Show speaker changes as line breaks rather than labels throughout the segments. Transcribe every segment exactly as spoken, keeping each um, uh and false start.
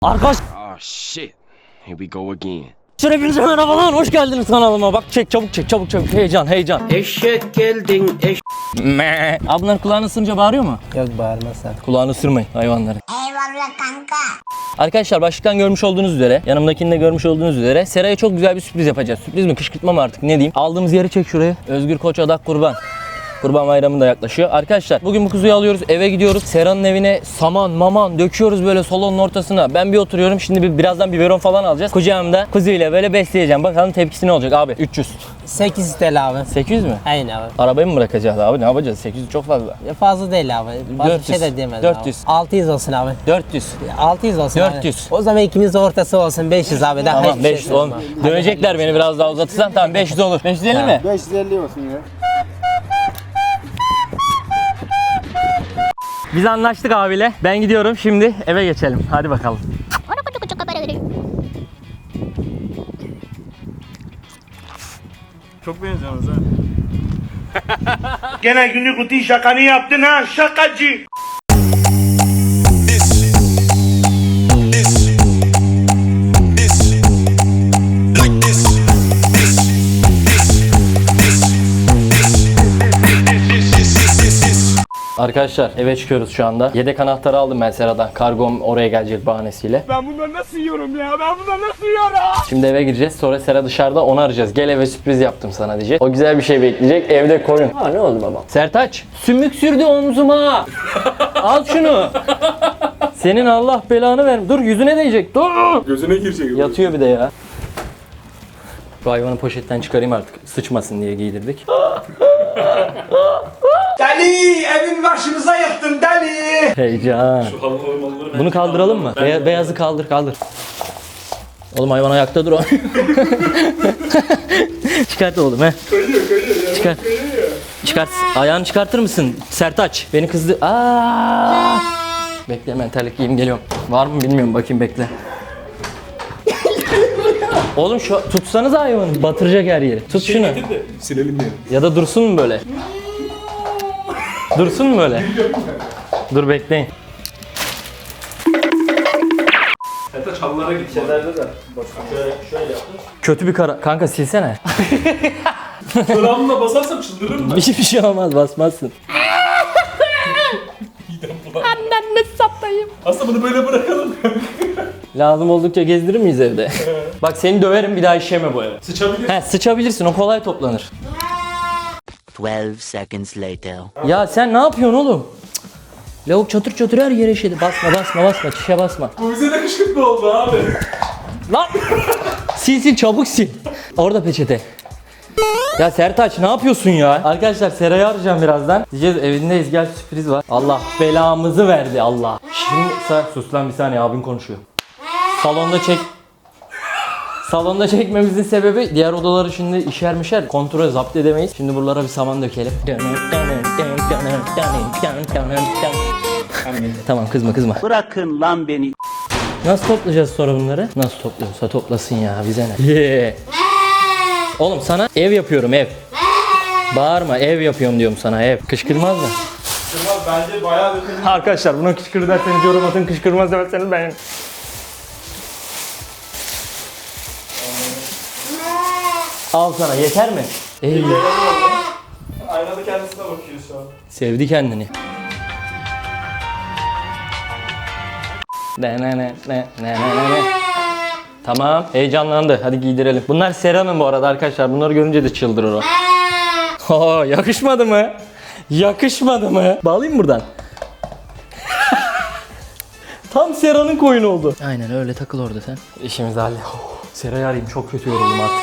Arkadaşlar
Oh shit. Here we go again.
hepinize merhabalar, hoş geldiniz kanalıma. Bak çek, çabuk çek, çabuk çabuk, heyecan heyecan.
Eşek geldin eş...
Me. Abi bunlar kulağını ısırınca bağırıyor mu?
Yok bağırma sen.
Kulağını ısırmayın hayvanları.
Eyvallah kanka.
Arkadaşlar başlıktan görmüş olduğunuz üzere, yanımdakini de görmüş olduğunuz üzere Sera'ya çok güzel bir sürpriz yapacağız. Sürpriz mi, kışkırtma mı artık, ne diyeyim. Aldığımız yeri çek şuraya. Özgür Koç Adak Kurban. Kurban bayramı da yaklaşıyor. Arkadaşlar bugün bu kuzuyu alıyoruz, eve gidiyoruz. Sera'nın evine saman maman döküyoruz böyle salonun ortasına. Ben bir oturuyorum, şimdi bir, birazdan biberon falan alacağız. Kucağımda kuzuyla böyle besleyeceğim. Bakalım tepkisi ne olacak abi? üç yüz.
sekiz T L abi.
sekiz yüz mü?
Aynen abi.
Arabayı mı bırakacağız abi? Ne yapacağız? sekiz yüz çok fazla.
Ya fazla değil abi. Fazla
dört yüz.
şey de diyemedim
dört yüz.
abi. altı yüz olsun abi.
dört yüz.
altı yüz olsun
dört yüz.
abi. O zaman ikimiz de ortası olsun beş yüz abi. Daha
Tamam
hiçbir şey
beş yüz oğlum.
yapmam.
Dönecekler beni biraz daha uzatırsan, tamam beş yüz olur. beş yüz elli mi?
beş yüz elli olsun ya.
Biz anlaştık abiyle. Ben gidiyorum, şimdi eve geçelim. Hadi bakalım. Çok benziyorsunuz ha.
Gene günlük rutin şakanı yaptın ha şakacı.
Arkadaşlar eve çıkıyoruz şu anda. Yedek anahtarı aldım ben Sera'dan. Kargom oraya gelecek bahanesiyle.
Ben bunları nasıl yiyorum ya? Ben bunları nasıl yiyorum?
Şimdi eve gireceğiz. Sonra Sera dışarıda, onu arayacağız. Gel eve sürpriz yaptım sana diyecek. O güzel bir şey bekleyecek. Evde koyun. Ha ne oldu babam? Sertaç, sümük sürdü omzuma. Al şunu. Senin Allah belanı ver. Dur yüzüne değecek. Dur.
Gözüne girecek.
Yatıyor bir de ya. Bu hayvanı poşetten çıkarayım artık. Sıçmasın diye giydirdik.
Deli evin başımıza yıktın deli.
Heyecan. Bunu kaldıralım mı? Beya- beyazı kaldır kaldır. Oğlum hayvan ayakta dur o. Çıkart oğlum he.
Kayıyor kayıyor ya.
Çıkart. Çıkart. Ayağını çıkartır mısın? Sertaç. Beni kızdı. Aa! Bekle, hemen terlik giyeyim geliyorum. Var mı bilmiyorum, bakayım bekle. Oğlum şu tutsanız hayvanı, batıracak her yeri. Tut şunu.
Silelim diye.
Ya da dursun mu böyle? Dursun mu böyle? Dur bekleyin.
Hatta çalılara git. Şeylerde de. Şöyle, şöyle yaptım.
Kötü bir kara... Kanka silsene.
Çorabımla basarsam çıldırırım ben.
Bir şey, bir şey olmaz, basmazsın.
Aslında bunu böyle bırakalım.
Lazım oldukça gezdirir miyiz evde? Bak seni döverim, bir daha işeme bu eve.
Sıçabilir.
He, sıçabilirsin, o kolay toplanır.
twelve seconds later.
Ya sen ne yapıyorsun oğlum? Cık. Lavuk çatır çatır her yere işedi. Basma basma basma, çişe basma.
Bu bize de kışkırtma oldu abi.
Lan! Sil sil, çabuk sil. Orada peçete. Ya Sertaç ne yapıyorsun ya? Arkadaşlar Sera'yı arayacağım birazdan. Diyeceğiz evindeyiz, gel sürpriz var. Allah belamızı verdi Allah. Şimdi sen sus lan, bir saniye, abin konuşuyor. Salonda çek. Salonda çekmemizin sebebi, diğer odaları şimdi işer mişer kontrol zapt edemeyiz. Şimdi buralara bir saman dökelim. Tamam, kızma kızma.
Bırakın lan beni.
Nasıl toplayacağız sonra bunları? Nasıl topluyorsa toplasın ya, bize ne? Yeah. Oğlum sana ev yapıyorum, ev. Bağırma, ev yapıyorum diyorum sana, ev. Kışkırmaz mı?
Bence bayağı bir
Arkadaşlar buna kışkır derseniz yorum atın, kışkırmaz derseniz beğenin. Al sana, yeter mi? Ey.
aynada kendisine bakıyor şu an.
Sevdi kendini. Ne ne ne ne ne ne ne. Tamam, heyecanlandı. Hadi giydirelim. Bunlar Sera'nın bu arada arkadaşlar. Bunları görünce de çıldırır o. Oo, yakışmadı mı? Yakışmadı mı? Bağlayayım buradan. Tam Sera'nın koyunu oldu. Aynen öyle, takıl orada sen. İşimizi halle. Sera'yı arayayım, çok kötü yoruldum artık.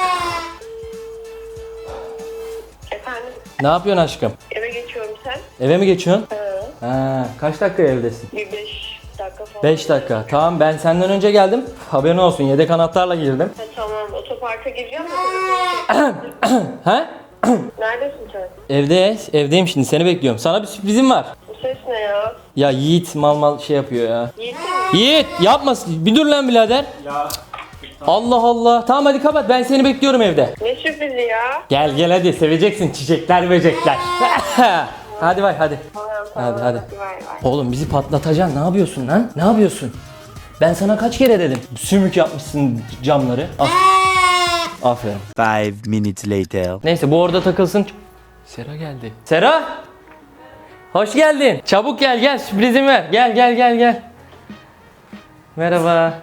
Efendim,
Ne yapıyorsun aşkım?
eve geçiyorum sen.
Eve mi geçiyorsun?
Hı.
Ha, kaç dakika evdesin?
Bir beş dakika falan.
beş dakika. Tamam, ben senden önce geldim. Haberin olsun, yedek anahtarla girdim.
Ha, tamam, otoparka gireceğim de telefonu çek.
Ha?
Neredesin sen?
Evde, evdeyim şimdi, seni bekliyorum. Sana bir sürprizim var.
Bu ses ne ya?
Ya Yiğit mal mal şey yapıyor ya.
Yiğit mi?
Yiğit yapma, bir dur lan birader. Ya. Allah Allah. Tamam hadi kapat, ben seni bekliyorum evde.
Ne sürprizi ya?
Gel gel hadi, seveceksin çiçekler böcekler. Hadi bay hadi.
Tamam, tamam.
Hadi hadi.
Vay vay.
Oğlum bizi patlatacaksın, ne yapıyorsun lan? Ne yapıyorsun? Ben sana kaç kere dedim. Sümük yapmışsın camları. Al. Aferin.
Five minutes later.
Neyse bu orada takılsın. Sera geldi. Sera! Hoş geldin. Çabuk gel gel sürprizimi ver. Gel gel gel gel. Merhaba.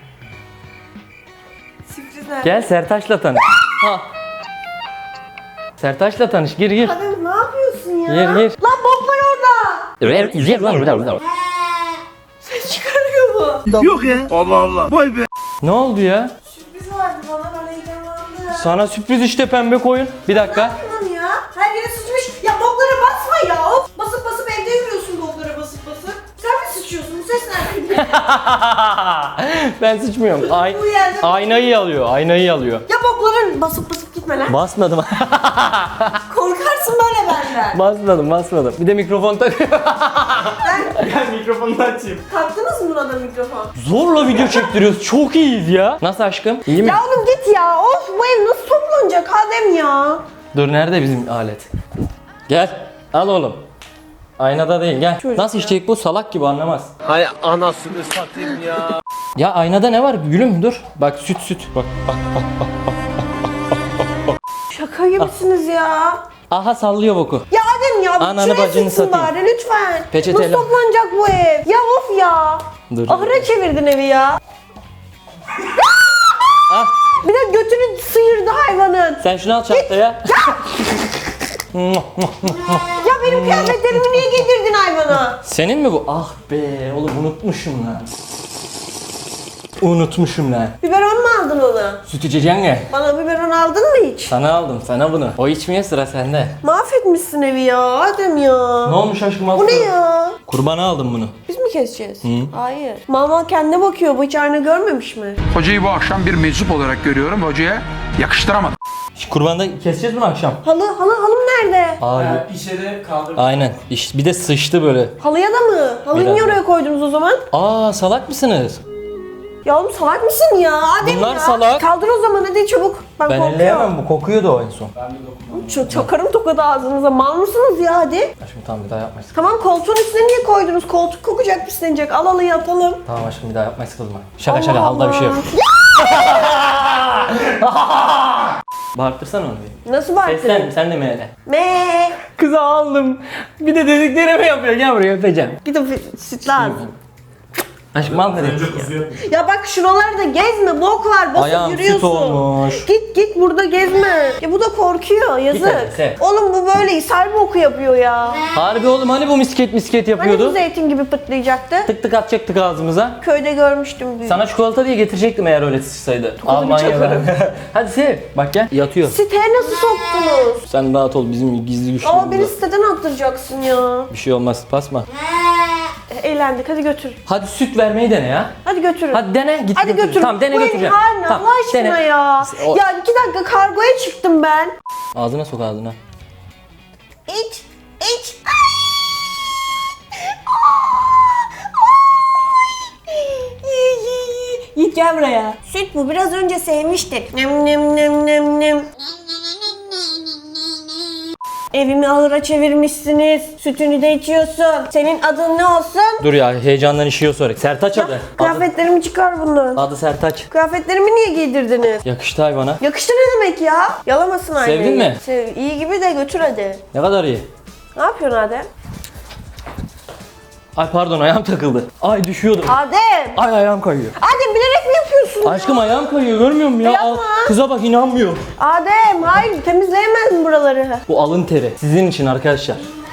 Sürprizler.
Gel Sertaç'la tanış. Ha. Sertaç'la tanış. Gir gir.
Adem ne yapıyorsun ya?
Gir gir.
Lan bok var orada. Ses çıkarıyor bu.
Ne oldu ya?
Sürpriz vardı bana, ben heyecanlandım.
Sana sürpriz işte pembe koyun. Bir dakika.
Tamam ya. Her yere sıçmış. Ya boklara basma ya. Of. Basıp basıp evde yürüyorsun boklara basıp basıp. Sen mi sıçıyorsun? Bu ses nereden?
Ben sıçmıyorum. Ay
Bu yerde-
aynayı alıyor. Aynayı alıyor.
Ya bokların basıp basıp gitme lan.
Basmadım.
Korkarsın böyle benden.
basmadım, basmadım. Bir de mikrofon takıyor.
Gel mikrofonunu açayım.
Taktınız mı buna da mikrofon?
Zorla video çektiriyoruz. Çok iyiyiz ya. Nasıl aşkım? İyi mi?
Ya oğlum git ya. Of, bu ev nasıl toplanacak Adem ya?
Dur nerede bizim alet? Gel. Al oğlum. Aynada değil gel.
Çocuk
Nasıl işleyecek bu? Salak gibi anlamaz.
Hay anasını satayım ya.
Ya aynada ne var? Gülüm dur. Bak süt süt. Bak bak bak.
Şaka gibisiniz ya.
Aha sallıyor boku.
Ya Adem ya,
Ananı
şuraya
bacını
sıksın
satayım.
bari lütfen.
Peçeteyle.
Nasıl toplanacak bu ev? Ya of ya.
Dur.
Ahıra çevirdin evi ya.
Ah,
Bir de götünü sıyırdı hayvanın.
sen şunu al çantaya.
Ya benim kıyafetlerimi niye giydirdin hayvana?
Senin mi bu? Ah be oğlum unutmuşum lan. Unutmuşum lan.
Biberon mu aldın ona?
Süt içeceksin ya.
Bana biberon aldın mı hiç?
Sana aldım sana bunu. O içmeye sıra sende.
Mahvetmişsin evi ya Adem ya.
Ne olmuş aşkım
Bu
aslında?
ne ya?
Kurbana aldım bunu.
Biz mi keseceğiz? Hayır. Mama kendine bakıyor. Bu hiç ayna görmemiş mi?
Hocayı bu akşam bir meczup olarak görüyorum. Hocaya yakıştıramadım.
Şu kurbanda keseceğiz bunu akşam.
Halı, halı, halım nerede?
Abi.
İşe de kaldır.
Aynen. İş, bir de sıçtı böyle.
Halıya da mı? Halıyı
Biraz
niye
da.
oraya koydunuz o zaman?
Aa salak mısınız?
Ya oğlum salak mısın ya Adem
Bunlar
ya?
salak.
Kaldır o zaman hadi çabuk. Ben,
Ben
korkuyorum.
elleyemem bu kokuyordu o en son.
Ç- çakarım tokadı ağzınıza. Mal mısınız ya hadi?
Aşkım tamam bir daha yapmayız.
Tamam, koltuğun üstüne niye koydunuz? Koltuk kokacak, pislenecek. Al halıyı atalım.
Tamam aşkım bir daha yapmayız kızma. Şaka
Allah
şaka halda bir şey yok.
Allah.
Bağırtırsana onu bir.
Nasıl bağırtın?
Seslen sen de mi hele?
Me.
Kızı aldım. Bir de dediklerimi yapıyor. Gel buraya öpeceğim.
Git o fi- süt lazım.
Aşkım al hadi.
Önce kızıyor.
Ya bak şuralarda gezme, bok var, basıp
Ayağım süt
yürüyorsun.
olmuş.
Git git burada gezme. Ya bu da korkuyor, yazık.
hadi, sev.
Oğlum bu böyle ishal boku yapıyor ya.
Harbi oğlum hani bu misket misket
Hani bu
yapıyordu?
zeytin gibi pıtlayacaktı?
Tık tık atacaktık ağzımıza.
Köyde görmüştüm büyük.
Sana çikolata diye getirecektim eğer öyle sıçsaydı. Almanya'dan. Hadi sev. Bak gel yatıyor.
Siteye nasıl soktunuz?
Sen rahat ol bizim gizli güçlü.
Aa, beni siteden attıracaksın ya.
Bir şey olmaz basma.
Eğlendik, hadi götür.
Hadi süt vermeyi dene ya.
Hadi götürün.
Hadi dene git
Hadi
götür.
götür.
Tamam dene
Bu evin
götüreceğim.
haline
Tamam,
Allah aşkına
dene.
ya.
O-
Ya iki dakika kargoya çıktım ben.
Ağzına sok ağzına.
İç, iç. Yiğit gel buraya. Süt bu, biraz önce sevmiştik. Nem nem nem nem nem. Evimi ahıra çevirmişsiniz. Sütünü de içiyorsun. Senin adın ne olsun?
Dur ya heyecandan işiyor sonra. Sertaç adı. Adı,
Kıyafetlerimi çıkar bundan.
adı Sertaç.
Kıyafetlerimi niye giydirdiniz?
Yakıştı hayvana.
Yakıştı ne demek ya? Yalamasın aynayı.
Sevdin mi?
Sev. İyi gibi de götür hadi.
Ne kadar iyi.
Ne yapıyorsun Adem?
Ay pardon ayağım takıldı. Ay düşüyordum.
Adem!
Ay ayağım kayıyor.
Adem bilerek mi yapıyorsun?
Aşkım ayağım kayıyor görmüyor musun ya?
Yapma.
Al, kıza bak inanmıyor.
Adem hayır, temizleyemez mi buraları?
Bu alın teri. Sizin için arkadaşlar.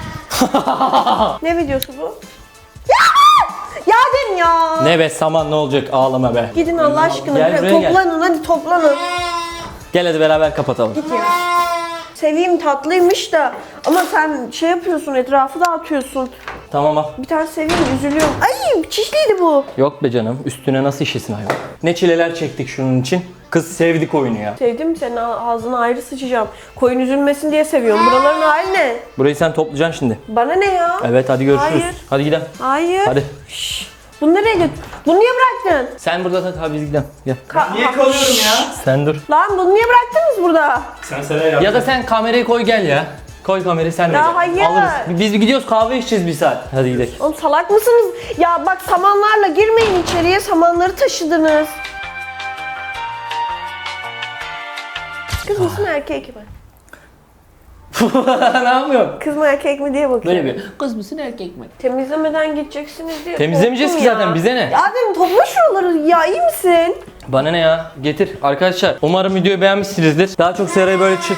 Ne videosu bu? Ya! Ya Adem ya!
Ne be saman ne olacak ağlama be.
Gidin Allah aşkına.
Gel buraya gel.
toplanın hadi toplanın.
Gel hadi beraber kapatalım.
Git ya. Seveyim tatlıymış da ama sen şey yapıyorsun, etrafı dağıtıyorsun.
Tamam al.
Bir tane seveyim, üzülüyorum. Ay çişliydi bu.
Yok be canım üstüne nasıl işesin hayvan. Ne çileler çektik şunun için. Kız sevdik oyunu ya.
Sevdim, senin ağzına ayrı sıçacağım. Koyun üzülmesin diye seviyorum. Buraların hali ne?
Burayı sen toplayacaksın şimdi.
Bana ne ya?
Evet hadi görüşürüz.
Hayır.
Hadi gidelim.
Hayır.
Hadi.
Şşş. Bunu nereye götür? Bunu niye bıraktın?
Sen burada tak abi biz gidelim. Gel.
Ka-
Niye kalıyorum ya?
Sen dur.
Lan bunu niye bıraktınız burada?
Sen Sera'ya yap.
Ya da sen kamerayı koy gel ya. Koy kamerayı sen de
Ya
gel.
hayır.
Alırız. Biz gidiyoruz kahve içeceğiz bir saat. Hadi gidelim.
Oğlum salak mısınız? Ya bak samanlarla girmeyin içeriye. Samanları taşıdınız. Kız mısın erkek mi?
Ne yapıyorsun?
Kız mı erkek mi diye bakıyorum.
Böyle bir kız mısın erkek mi?
Temizlemeden gideceksiniz diye
Temizlemeyeceğiz
korktum
ki zaten,
ya.
bize ne?
Adem topla şuraları ya, iyi misin?
Bana ne ya? Getir. Arkadaşlar umarım videoyu beğenmişsinizdir. Daha çok Sera'yı böyle çık.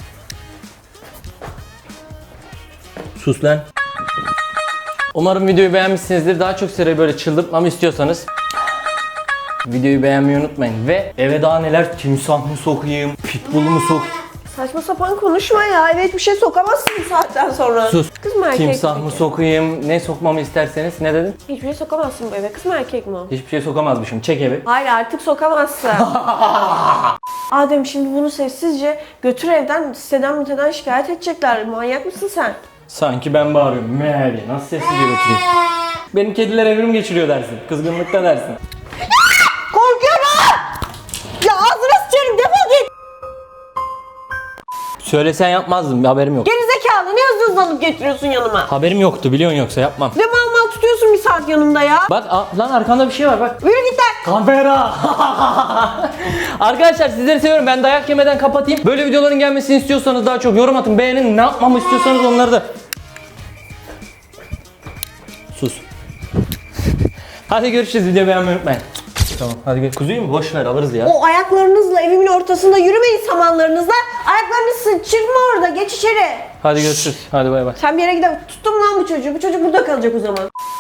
Sus lan. Umarım videoyu beğenmişsinizdir. Daha çok Sera'yı böyle çıldırtmamı istiyorsanız videoyu beğenmeyi unutmayın. Ve eve daha neler, timsah mı sokayım, pitbull mu sok?
Saçma sapan konuşma ya. Eve hiçbir şey sokamazsın bu saatten sonra.
Sus.
Kız mı erkek
Timsah
mi?
mı sokayım, ne sokmamı isterseniz. Ne dedin?
Hiçbir şey sokamazsın bu eve. Kız mı erkek mi o?
Hiçbir şey sokamazmışım. Çek evi.
Hayır artık sokamazsın. Adem şimdi bunu sessizce götür evden, siteden müteden şikayet edecekler. Manyak mısın sen?
Sanki ben bağırıyorum. Meğer nasıl sessizce götüreyim? Benim kediler evrim geçiriyor dersin. Kızgınlıkta dersin.
Korkuyorum! Ya ağzına sıçarım, defol git!
Söylesen yapmazdım. Haberim yok.
Gerizekalı, ne hızlı hızlı alıp getiriyorsun yanıma?
Haberim yoktu, biliyorsun, yoksa yapmam.
Ne mal mal tutuyorsun bir saat yanımda ya?
Bak a- lan arkanda bir şey var bak.
Yürü git lan!
Kamera. Arkadaşlar sizleri seviyorum. Ben dayak yemeden kapatayım. Böyle videoların gelmesini istiyorsanız daha çok yorum atın, beğenin. Ne yapmamı istiyorsanız onları da. Sus. Hadi görüşürüz. Videoyu beğenmeyi unutmayın. Tamam hadi gel. Kuzuyu mu? Boş ver, alırız ya.
O ayaklarınızla evimin ortasında yürümeyin, samanlarınızla. Ayaklarını sıçırma orada, geç içeri.
Hadi görüşürüz. Hadi bay bay.
Sen bir yere gidip tuttum lan bu çocuğu. Bu çocuk burada kalacak o zaman.